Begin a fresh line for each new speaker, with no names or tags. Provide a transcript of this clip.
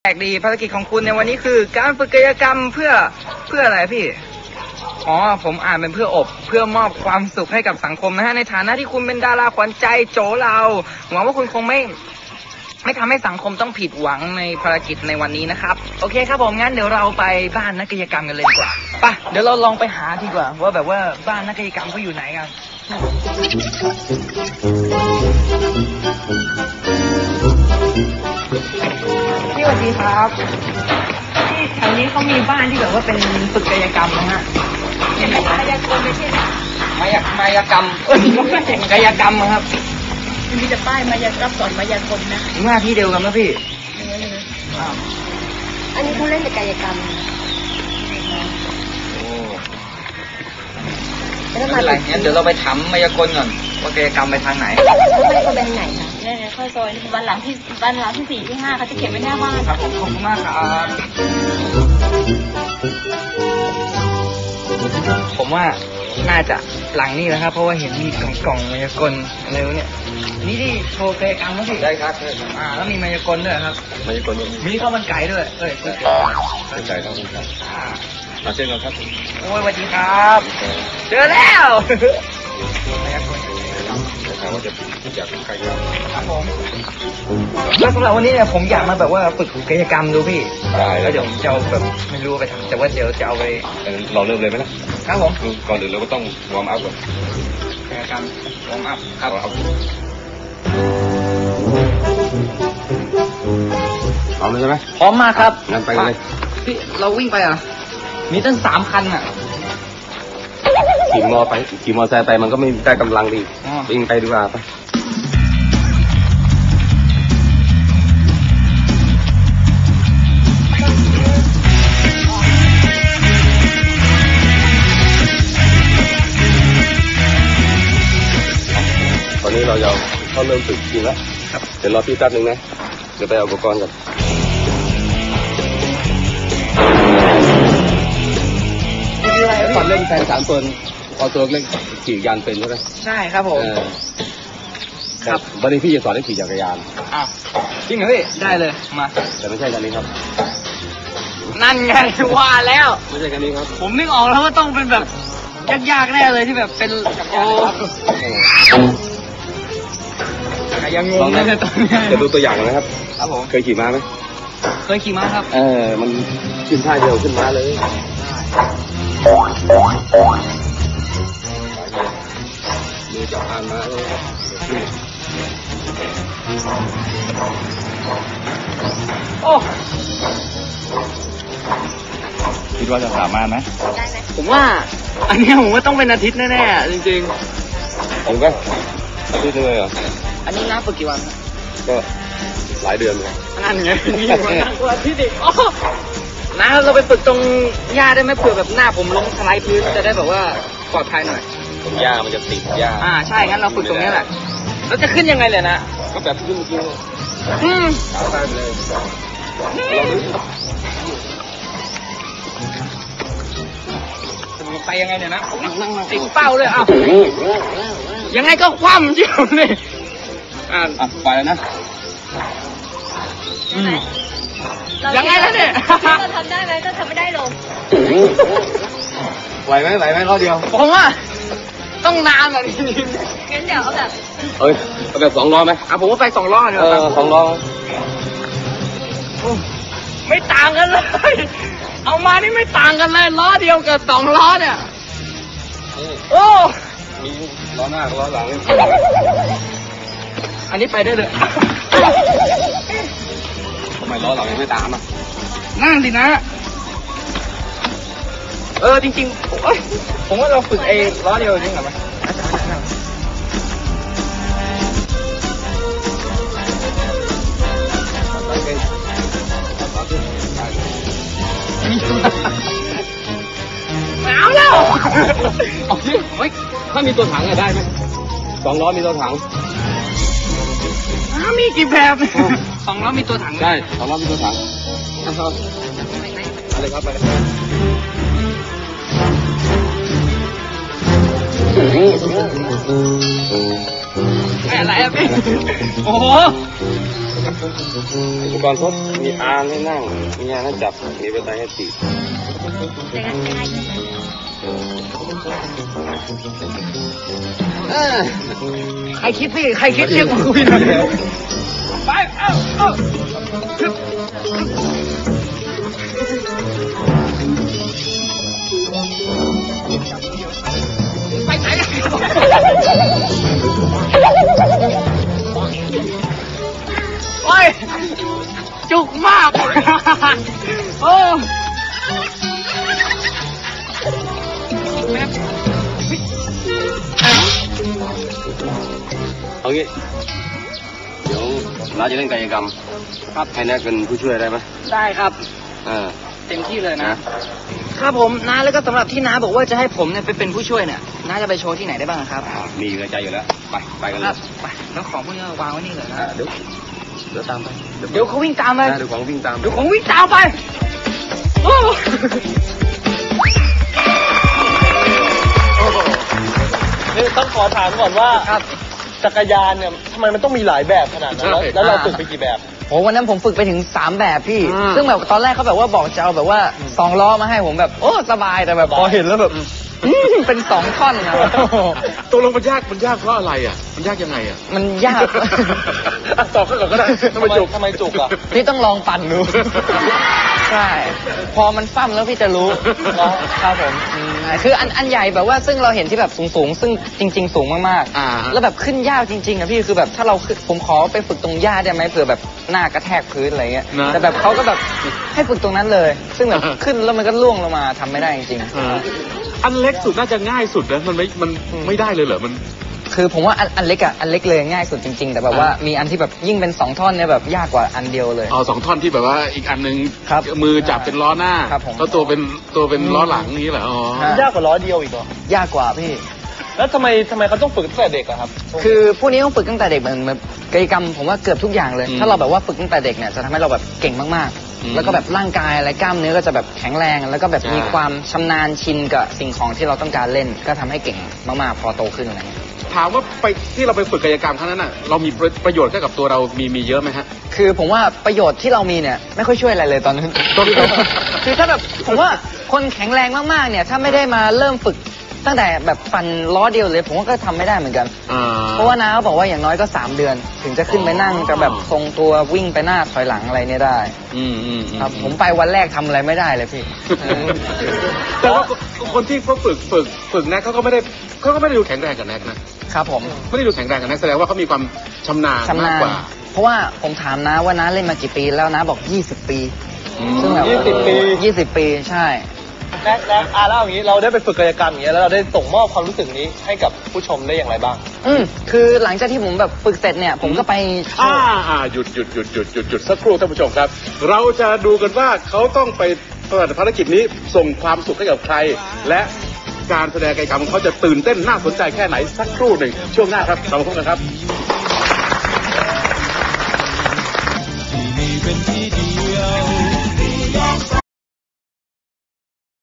แปลกดีภารกิจของคุณในวันนี้คือการฝึกกายกรรมเพื่ออะไรพี่อ๋อผมอ่านเป็นเพื่อมอบความสุขให้กับสังคมนะฮะในฐานะที่คุณเป็นดาราขวัญใจโจเราหวังว่าคุณคงไม่ทำให้สังคมต้องผิดหวังในภารกิจในวันนี้นะครับโอเคครับผมงั้นเดี๋ยวเราไปบ้านนักกายกรรมกันเลยดีกว่าไปเดี๋ยวเราลองไปหาดีกว่าว่าแบบว่าบ้านนักกายกรรมเขาอยู่ไหนกันพี่สวัสดีครับที่แถวนี้เขามีบ้านที่แบบว่าเป็นฝึกกายกรรมนะฮะมายากลไม่ใช่มายากรรมกายกรรมครับ
มีแต่ป้ายมายากรรมสอนมายากลนะ
หน้าที่เดียวกันนะพี่
อันนี้เขาเล่นแต่กายกรรม
ไม่เป็นไรงั้นเดี๋ยวเราไปถามมายากลก่อนว่ากายกรรมไปทางไหน
ไม่เขาไปทางไหนคะเนี่ยเข้าซอยบ้านหลังที่4 ที่ 5เขาจะเขียนไว้หน้าบ้าน
ครับผมขอบคุณมากครับผมว่าน่าจะหลังนี้นะครับเพราะว่าเห็นมีกล่องมายากลอะไรวะเนี่ยนี่ที่โชว์กายกรรมมั้งสิ
ได้ครับ
แล้วมีมายากลด้วยครับ
มายากล
มีข้าวมันไก่ด้วย
ไก่ครับมาเช่นกันครับ
โอ้ยสวัสดีครับเจอแล้วมายากล
เขาว่าจะอยากเป็นใคร
ครับผมแล้วสำหรับวันนี้เนี่ยผมอยากมาแบบว่าฝึกกายกรรมดูพี่
ได้
แล้วเดี๋ยวจะเอาแบบไม่รู้ไปทำแต่ว่าเดี๋ยวจะเอาไป
เราเริ่มเลยไหมนะครับ
ผม
ก่อนอื่นเราก็ต้องวอร์มอัพก่อน
กายกรรมวอร์มอัพครับ
พร้อมเลยใช่ไหม
พร้อมมากครับ
งั้นไปเลย
พี่เราวิ่งไปมีตั้ง3 คัน
ขี่มอไซค์ไปมันก็ไม่ได้กำลังดีวิ่งไปดีกว่าไปตอนนี้เราจะเข้าเริ่มฝึกจริงแล้วเดี๋ยวรอพี่แป๊บนึงนะเดี๋ยวไปเอาอุปกรณ์กันตอนเล่นแฟน3 ตัวเอาตัวเล่นขี่ยานเป็นใช่ไหม
ใช่ครับผม
ครับวันนี้พี่จะสอนให้ขี่จักรยาน
จริงเหรอพี่ได้เลยมา
แต่ไม่ใช่คันนี้ครับ
นั่นไงว่าแล้ว
ไม่ใช่คันนี้ครับ
ผมนึกออกแล้วว่าต้องเป็นแบบยากๆแน่เลยที่แบบเป็นยังงงเลยตอนนี้
จะดูตัวอย่างนะครับ
ครับผม
เคยขี่ม้าไหม
เคยขี่ม้าครับ
มันขึ้นท่าเดียวขึ้นม้าเลยมือจับพานมาเลย
โอ้
คิดว่าจะสามารถไหม
ผมว่าอันนี้ผมว่าต้องเป็นอาทิตย์แน่ๆจริง
ๆผมก็อาทิตย์นึงเลยเหรอ
อันนี้นับฝึกกี่วัน
ก็หลายเดือนเลย
นั่นไงนี่วันนั่งกว่าอาทิตย์อีกนะเราไปฝึกตรงหญ้าได้ไหมเผื่อแบบหน้าผมลงสไลด์พื้นจะได้แบบว่าปลอดภัยหน่อย
ตรงหญ้ามันจะติดหญ้า
ใช่งั้นเราฝึกตรงนี้แหละแล้วจะขึ้นยังไงเลยนะ
ก็แบบขึ้นเมื่อกี้ขาไปเลย
ไปยังไงเนี่ยนะติดเป้าเลยยังไงก็คว่ำเชี่ยวเลย
ไปแล้วนะ
ยังไงล่ะเนี่ย
เราทำได้ไหมก็ทำไม่ได้ลง
ไหวไหมรอบเดียว
ผมว่าต้องนานอ่ะนี่
งั้นเดี๋ยวเอาแบบ
เอาแบบ2 ล้อไหม
ผมว่าไป2 ล้อเนี่ย
2 ล้อ
ไม่ต่างกันเลยเอามานี่ไม่ต่างกันเลยล้อเดียวกับ2 ล้อเนี่ยโอ้
มีล้อหน้ากับล้อหลัง
อันนี้ไปได้เลย
ทำไมล้อหลังยังไม่ตาม
นั่งดินะจริงๆผมว่าเราฝึกล้อเดียวจริงเหรอเอาแล้ว
ถ้ามีตัวถังได้ไหม2 ล้อมีตัวถัง
มีกี่แบบ2 ล้อมีตัวถัง
ได้2 ล้อมีตัวถังอะไรครับไป
อะไรอ่ะพี่โอ้โห
อุปกรณ์ครบมีอาร์ให้นั่งมีงานให้จับมีบันไดให้ตี
ใครคิดพี่ใครคิดเรียกมาคุยหน่อยไปเอ้าไปไหนโอ้ยจุกมากโอ้
เอางี้เดี๋ยวน้าจะเล่นกายกรรมครับให้แนทเป็นผู้ช่วยได้ไหม
ได้ครับ เต็มที่เลยนะครับผมน้าแล้วก็สำหรับที่น้าบอกว่าจะให้ผมเนี่ยไปเป็นผู้ช่วยเนี่ยน้าจะไปโชว์ที่ไหนได้บ้างครับ
มีอยู่ในใจอยู่แล้วไปกัน
ค
เล
รั
ย
บไปแล้วของพวกนี้วางไว้นี่เลยนะ
เดี๋ยวตามไป
เดี๋ยวเขาวิ่งตามไป
เดี๋ยวของวิ่งตาม
เดี๋ยวของวิ่งตามไปโอ้
นี่ต้องขอถามก่อนว่า
ครับ
จักรยานเนี่ยทำไมมันต้องมีหลายแบบขนาดนั้นแล้วเราฝึกไปกี่แบบ
โอ้วันนั้นผมฝึกไปถึง3แบบพี่ซึ่งแบบตอนแรกเขาแบบว่าบอกจะเอาแบบว่า2ล้อมาให้ผมแบบโอ้สบายแต่แบบพอเห็นแล้วแบบเป็น2ท่อนนะ
ตัวลงมันยากเพราะอะไรอ่ะมันยากยังไงอ่ะ
มันยาก
ตอบข้างก่อนก็ได้ทำไมจุก
อ่ะ
พี่ต้องลองปั่นดู ใช่ พอมันฟั่มแล้วพี่จะรู้ครับผมคืออันใหญ่แบบว่าซึ่งเราเห็นที่แบบสูงซึ่งจริง ๆ สูงมากๆแล้วแบบขึ้นยากจริงๆอะพี่คือแบบถ้าเราผมขอไปฝึกตรงหญ้าได้ไหมเผื่อแบบหน้ากระแทกพื้นอะไรเงี้ยแต่แบบเขาก็แบบให้ฝึกตรงนั้นเลย ซึ่งแบบขึ้นแล้วมันก็ล่วงลงมาทำไม่ได้จริง
อันเล็กสุดน่าจะง่ายสุดนะมันไม่ได้เลยเหรอมัน
คือผมว่าอันเล็กอะอันเล็กเลยง่ายสุดจริงๆแต่แบบว่ามีอันที่แบบยิ่งเป็น2ท่อนเนี่ยแบบยากกว่าอันเดียวเลย
อ๋อ2 ท่อนที่แบบว่าอีกอันนึง
ครับ
มือจับเป็นล้อหน้า
ครับผม
แล้วตัวเป็นล้อหลังนี้เหรออ๋อ
ยากกว่าล้อเดียวอีกเหรอ
ยากกว่าพี่
แล้วทำไมเขาต้องฝึกตั้งแต่เด็กอะครับ
คือพวกนี้ต้องฝึกตั้งแต่เด็กเหมือนกิจกรรมผมว่าเกือบทุกอย่างเลย ถ้าเราแบบว่าฝึกตั้งแต่เด็กเนี่ยจะทำให้เราแบบเก่งมากๆ แล้วก็แบบร่างกายอะไรกล้ามเนื้อก็จะแบบแข็งแรงแล้วก็แบบมีความชำนาญชินกับสิ่งของที่เราต้องการเล่น ก็ทำให้เก่งมากๆพอโตขึ้นอะไรเงี้ย
ถามว่าไปที่เราไปฝึกกายกรรมครั้งนั้นน่ะเรามีประโยชน์ให้กับตัวเรามีเยอะไหมฮะ
คือผมว่าประโยชน์ที่เรามีเนี่ยไม่ค่อยช่วยอะไรเลยตอนนั้น คือถ้าแบบผมว่าคนแข็งแรงมากๆเนี่ยถ้าไม่ได้มาเริ่มฝึกตั้งแต่แบบปั่นล้อเดียวเลยผมว่าก็ทำไม่ได้เหมือนกันเพราะว่าน้าเขาบอกว่าอย่างน้อยก็3 เดือน ถึงจะขึ้นไปนั่งจะแบบทรงตัววิ่งไปหน้าถอยหลังอะไรเนี่ยได้ครับผมไปวันแรกทำอะไรไม่ได้เลยพี่
แต่ว่าคนที่เขาฝึกแน็กเขาก็ไม่ได้ดูแข็งแรงกับแน็กนะครับ
ผม
ไม่ได้ดูแข็งแรงกับแน็กแสดงว่าเขามีความชำนาญมากกว่า
เพราะว่าผมถามน้าว่าน้าเล่นมากี่ปีแล้วน้าบอก20 ปีซึ่งแบบ20 ปีใช่
แน็กแล้วอย่างนี้เราได้ไปฝึกกายกรรมอย่างเงี้ยแล้วเราได้ส่งมอบความรู้สึกนี้ให้กับผู้ชมได้อย่างไรบ้าง
คือหลังจากที่ผมแบบฝึกเสร็จเนี่ยผมก็ไป
หยุดสักครู่ท่านผู้ชมครับ เราจะดูกันว่าเขาต้องไปปฏิบัติภารกิจนี้ส่งความสุขให้กับใคร และการแสดงกายกรรมของเขาจะตื่นเต้นน่าสนใจแค่ไหนสักครู่หนึ่งช่วงหน้าครับเราพบกันครับ
ที่นี่เป็นที่เดียว